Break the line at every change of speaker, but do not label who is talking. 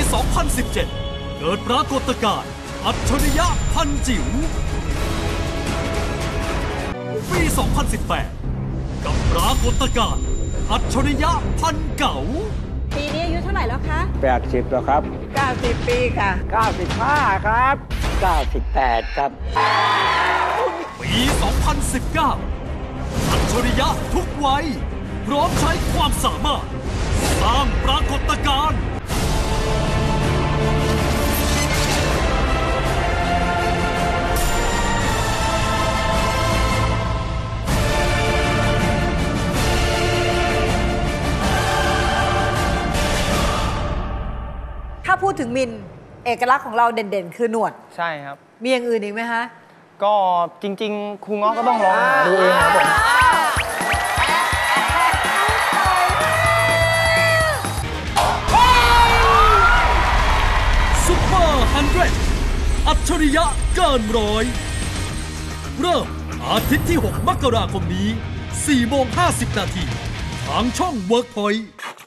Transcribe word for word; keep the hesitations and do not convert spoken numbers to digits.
สองพันสิบเจ็ด เกิดปรากฏการณ์อัจฉริยะพันจิ๋วปี สองพันสิบแปด กับปรากฏการณ์อัจฉริยะพันเก๋า
ปีนี้อายุเท่าไหร่แล้วคะ
แปดสิบแล้วครับ
เก้าสิบปีค่ะ
เก้าสิบห้าครับเก้าสิบแปดครับ
ปี สองพันสิบเก้า อัจฉริยะทุกวัยพร้อมใช้ความสามารถสร้างปรากฏการณ์
ถ้าพูดถึงมินเอกลักษณ์ของเราเด่นๆคือหนวด
ใช่ครับ
มีอย่างอื่นอีกไหมคะ
ก็จริงๆครูง้อก็ต้องลองหาดูเองครับผม
ซุปเปอร์ฮันเดรดอัจฉริยะเกินร้อยเริ่มอาทิตย์ที่หกมกราคมนี้ สี่โมงห้าสิบนาทีทางช่อง เวิร์กพอยท์